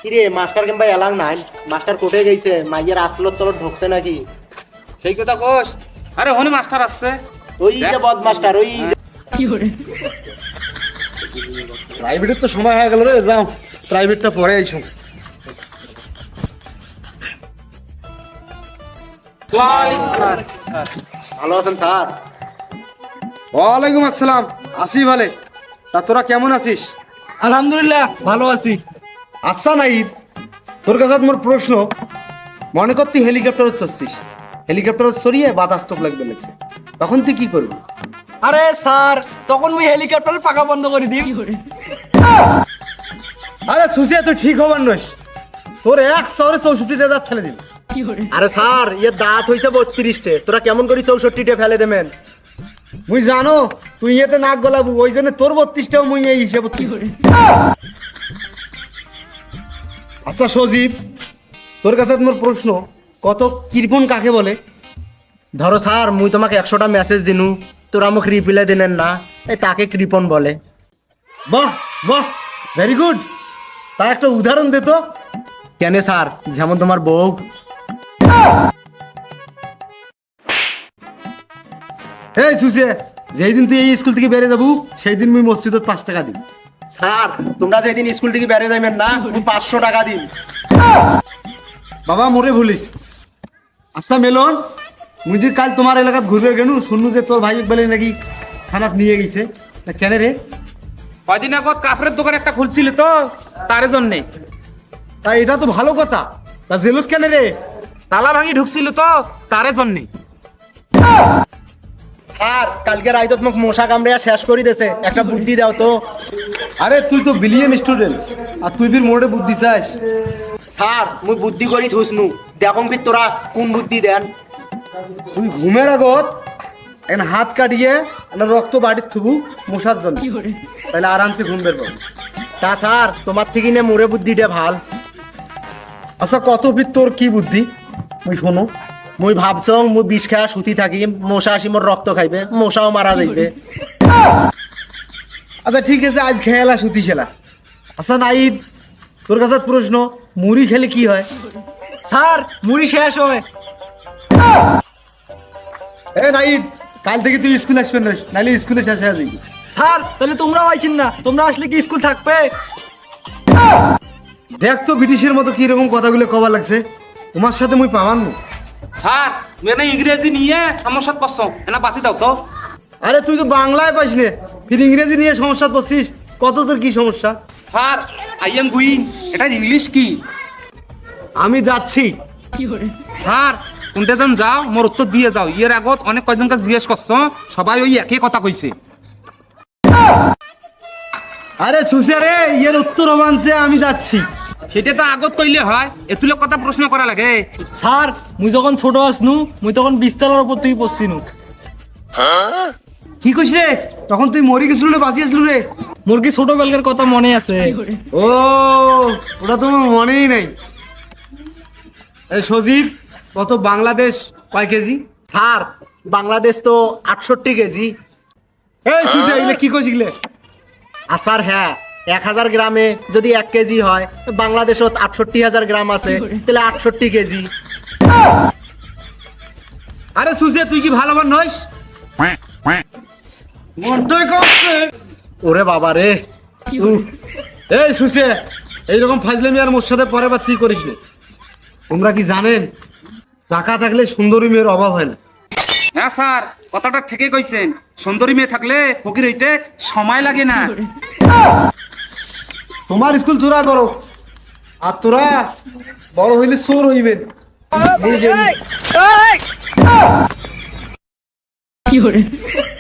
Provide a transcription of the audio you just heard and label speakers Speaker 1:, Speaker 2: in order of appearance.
Speaker 1: কিরে মাস্টার কিংবা এলাং নাই, মাস্টার কোটে গেছে, মাইয়ের আসলত তলত ঢুকছে নাকি?
Speaker 2: সেই কথা কোস। আরে হনি মাস্টার আসছে।
Speaker 1: ওই যে বদ মাস্টার, ওই
Speaker 3: প্রাইভেটের তো সময় হয়ে গেল রে, যাও প্রাইভেটটা পরে আইছো।
Speaker 1: ভালো আছেন স্যার?
Speaker 3: ওয়ালাইকুম আসসালাম, আসি ভালে। তা তোরা কেমন আছিস?
Speaker 4: আলহামদুলিল্লাহ ভালো আছি।
Speaker 3: আচ্ছা নাইদ, তোর কাছে মোর প্রশ্ন, মনে কর তুই হেলিকপ্টার চড়ছিস, হেলিকপ্টার সরিয়ে বাতাস তোক লাগবে লাগছে, তখন তুই কি করবি?
Speaker 4: আরে স্যার, তখন মুই হেলিকপ্টারের পাকা বন্ধ করে দিই।
Speaker 3: আরে সুসিয়া তুই ঠিক হবার নস, তোর 164টা দাঁত ফেলে দিবি।
Speaker 1: আরে স্যার, ইয়ে দাঁত হইছে 32টে, তোরা কেমন করি 64টে ফেলে দেবেন?
Speaker 3: মুই জানো তুই ইয়েতে নাক গলাবু, ওই জন্য তোর 32টাও মুই এই হিসেবে। আচ্ছা সজীব, তোর কাছে মোর প্রশ্ন, কত কৃপণ কাকে বলে?
Speaker 1: ধরো স্যার, মুই তোমাকে 100টা মেসেজ দিনু, তোরা আমাকে রিপ্লাই দিনেন না, এই তাকে কৃপণ বলে।
Speaker 3: বাহ বাহ, ভেরি গুড। তা একটা উদাহরণ দে তো।
Speaker 1: কেন স্যার? যেমন তোমার বউ।
Speaker 3: এই সুসে, যেই দিন তুই এই স্কুল থেকে বেরিয়ে যাবো সেই দিন মুই মসজিদত 5 টাকা দিবি।
Speaker 1: স্যার, তোমরা যেদিন স্কুল থেকে বেরিয়ে যাবেন না, মুই 500 টাকা দিন।
Speaker 3: বাবা মোরে ভুলিস। আচ্ছা মেলন, মুই যে কাল তোমার এলাকাত ঘুরবে গেলু, শুনলু যে তোর ভাই বলে নাকি থানাত নিয়ে গেছে, না কেন রে?
Speaker 2: কয়দিন আগত কাপড়ের দোকান একটা খুলছিল তো, তার জন্যে।
Speaker 3: তা এটা তো ভালো কথা, তা জেলত কেন রে?
Speaker 2: তালা ভাঙি ঢুকছিল তো, তার জন্যে।
Speaker 1: স্যার, কালকে রাইতত মোক মশা কামড়ে শেষ করে দিয়েছে, একটা বুদ্ধি দাও তো।
Speaker 3: আরে তুই তো বিলিয়ন স্টুডেন্ট, আর তুই ফির মোড়ে বুদ্ধি চাস?
Speaker 1: স্যার, মুই বুদ্ধি করি থুসনু, দেখুন ফির তোরা কোন বুদ্ধি দেন।
Speaker 3: তুই ঘুমের আগত এখন হাত কাটিয়ে একটা রক্ত বাড়ির থুবু মশার জন্য, তাহলে আরামসে ঘুম বের পাবো।
Speaker 1: তা স্যার, তোমার থেকে নে মোরে বুদ্ধিটা ভাল।
Speaker 3: আচ্ছা কত ফির তোর কি বুদ্ধি মুই শোনো।
Speaker 1: মুই ভাবছং মুই বিষ খাওয়া সুতি থাকি, মশা আসি মোর রক্ত খাইবে, মশাও মারা যাইবে।
Speaker 3: আচ্ছা ঠিক আছে, আজ খেলা সুতি খেলা। আচ্ছা নাইদ, তোর কাছে প্রশ্ন, মুড়ি খেলে কি হয়?
Speaker 4: স্যার, মুড়ি শেষ হয়।
Speaker 3: এ নাইদ, কাল থেকে তুই স্কুল আসবেন না, নাহলে স্কুলে শেষ হয়ে যাবি।
Speaker 4: স্যার, তাহলে তোমরাও আইছেন না? তোমরা আসলে কি স্কুল থাকবে?
Speaker 3: দেখ তো ব্রিটিশের মতো কি রকম কথাগুলো কবার লাগছে, তোমার সাথে মুই পাবান না।
Speaker 2: স্যার, মেনে ইংরেজি নিয়ে আমার সাথে পছন্দ, এনা বাতি দাও তো।
Speaker 3: আরে তুই তো বাংলায় পাস নে, ফির ইংরেজি নিয়ে সমস্যা পড়ছিস, কত তোর কি সমস্যা?
Speaker 2: স্যার, আই এম গুইং, এটা ইংলিশ কি?
Speaker 3: আমি যাচ্ছি।
Speaker 2: স্যার, কোনটা যেন যাও, মোর উত্তর দিয়ে যাও। ইয়ের আগত অনেক কয়জনকে জিজ্ঞেস করছো, সবাই ওই একই কথা কইছে।
Speaker 3: আরে ছুসে রে, এর উত্তর মানছে আমি যাচ্ছি।
Speaker 2: সেটা তো আগত কইলে হয়, এতুলে কথা প্রশ্ন করা লাগে।
Speaker 4: স্যার, মুই যখন ছোট আসনু, মুই তখন 20 তলার উপর তুই পড়ছিনু।
Speaker 3: কি কইস রে? তখন তুই মরি গেছিল রে, বাঁচিয়েছিল রে?
Speaker 4: মোর কি ছোটবেলার কথা মনে আছে?
Speaker 3: ও, ওটা তোমার মনেই নাই। এই সজীব, কত বাংলাদেশ কয় কেজি?
Speaker 1: স্যার, বাংলাদেশ তো 68 কেজি।
Speaker 3: এই সুসে, এগুলো কি কইছিস?
Speaker 1: আর স্যার হ্যাঁ, 1000 গ্রামে যদি 1 কেজি হয়, বাংলাদেশত 68,000 গ্রাম আছে, তাহলে 68 কেজি।
Speaker 3: আরে সুসে, তুই কি ভালোবান নইস? মনটাই করছে।
Speaker 1: ওরে বাবা রে।
Speaker 3: এই সুসে, এইরকম ফাজলামি আর মোর সাথে পরে বার তুই করিস না। তোমরা কি জানেন, টাকা থাকলে সুন্দরী মেয়ের অভাব হয় না?
Speaker 2: হ্যাঁ স্যার, কথাটা ঠিকই কইছেন। সুন্দরী মেয়ে থাকলে ফকির হইতে সময় লাগে না।
Speaker 3: তোমার স্কুল তোরা বড়, আর তোরা বড় হইলে চোর হইবেন।
Speaker 4: কি করে?